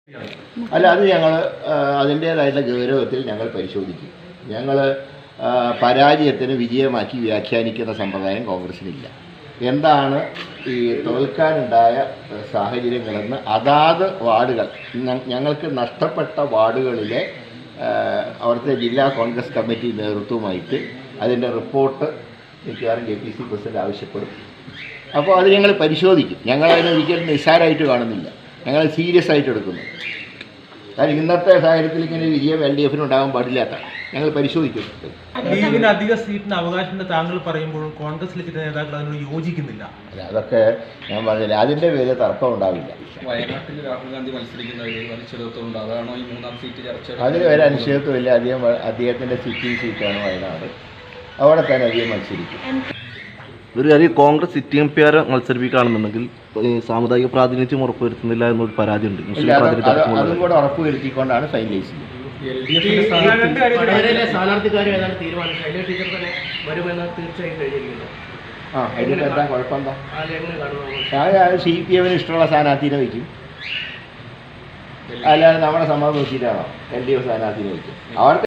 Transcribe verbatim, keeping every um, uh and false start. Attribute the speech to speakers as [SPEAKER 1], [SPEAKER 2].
[SPEAKER 1] അല്ല, അത് ഞങ്ങൾ അതിൻ്റേതായിട്ടുള്ള ഗൗരവത്തിൽ ഞങ്ങൾ പരിശോധിക്കും. ഞങ്ങൾ പരാജയത്തിന് വിജയമാക്കി വ്യാഖ്യാനിക്കുന്ന സമ്പ്രദായം കോൺഗ്രസിനില്ല. എന്താണ് ഈ തോൽക്കാനുണ്ടായ സാഹചര്യങ്ങളെന്ന് അതാത് വാർഡുകൾ, ഞങ്ങൾക്ക് നഷ്ടപ്പെട്ട വാർഡുകളിലെ അവിടുത്തെ ജില്ലാ കോൺഗ്രസ് കമ്മിറ്റി നേതൃത്വമായിട്ട് അതിൻ്റെ റിപ്പോർട്ട് മിക്കവാറും കെ പി സി പ്രസിഡന്റ് ആവശ്യപ്പെടും. അപ്പോൾ അത് ഞങ്ങൾ പരിശോധിക്കും. ഞങ്ങളതിനെ ഒരിക്കലും നിസ്സാരമായിട്ട് കാണുന്നില്ല, ഞങ്ങൾ സീരിയസ് ആയിട്ട് എടുക്കുന്നു. കാരണം ഇന്നത്തെ സാഹചര്യത്തിൽ ഇങ്ങനെ വിജയം എൽ ഡി എഫിന് ഉണ്ടാകാൻ പാടില്ലാത്തതാണ്. ഞങ്ങൾ പരിശോധിക്കുന്നുണ്ട്.
[SPEAKER 2] ലീഗിന് അധിക സീറ്റിന് അവകാശമുണ്ട് താങ്കൾ പറയുമ്പോഴും കോൺഗ്രസിലെ ചില നേതാക്കൾ അതിനോട് യോജിക്കുന്നില്ല.
[SPEAKER 1] അല്ല, അതൊക്കെ ഞാൻ പറഞ്ഞില്ല, അതിൻ്റെ പേര് തർക്കം ഉണ്ടാവില്ല.
[SPEAKER 3] വയനാട്ടിൽ രാഹുൽ ഗാന്ധി മത്സരിക്കുന്ന ഒരു അനിശ്ചിതത്വമുണ്ട്. അതാണോ ഈ മൂന്നാം സീറ്റ് ചർച്ച?
[SPEAKER 1] അതിന് ഒരു അനിശ്ചിതത്വമില്ല. അദ്ദേഹം അദ്ദേഹത്തിൻ്റെ സിറ്റിംഗ് സീറ്റാണ് വയനാട്, അവിടെ തന്നെ അധികം മത്സരിക്കും.
[SPEAKER 4] ഒരു കാര്യം, കോൺഗ്രസ് സിറ്റിംഗ് എം പി ആരെ മത്സരിപ്പിക്കുകയാണെന്നുണ്ടെങ്കിൽ സാമുദായിക പ്രാതിനിധ്യം ഉറപ്പുവരുത്തുന്നില്ല എന്നൊരു പരാതിയുണ്ട്.
[SPEAKER 1] അതും കൂടെ ഉറപ്പുവരുത്തിക്കൊണ്ടാണ് ഫൈനലൈസ് ചെയ്യുന്നത്. ആ അതിന് എന്താ കുഴപ്പമെന്താ? ഞാൻ സി പി എമ്മിന് ഇഷ്ടമുള്ള സ്ഥാനാർത്ഥിനെ വയ്ക്കും, അല്ലാതെ നമ്മുടെ സമ്മതം നോക്കിയിട്ടാണോ എൽ ഡി എഫ് സ്ഥാനാർത്ഥിനെ വയ്ക്കും? അവർക്ക്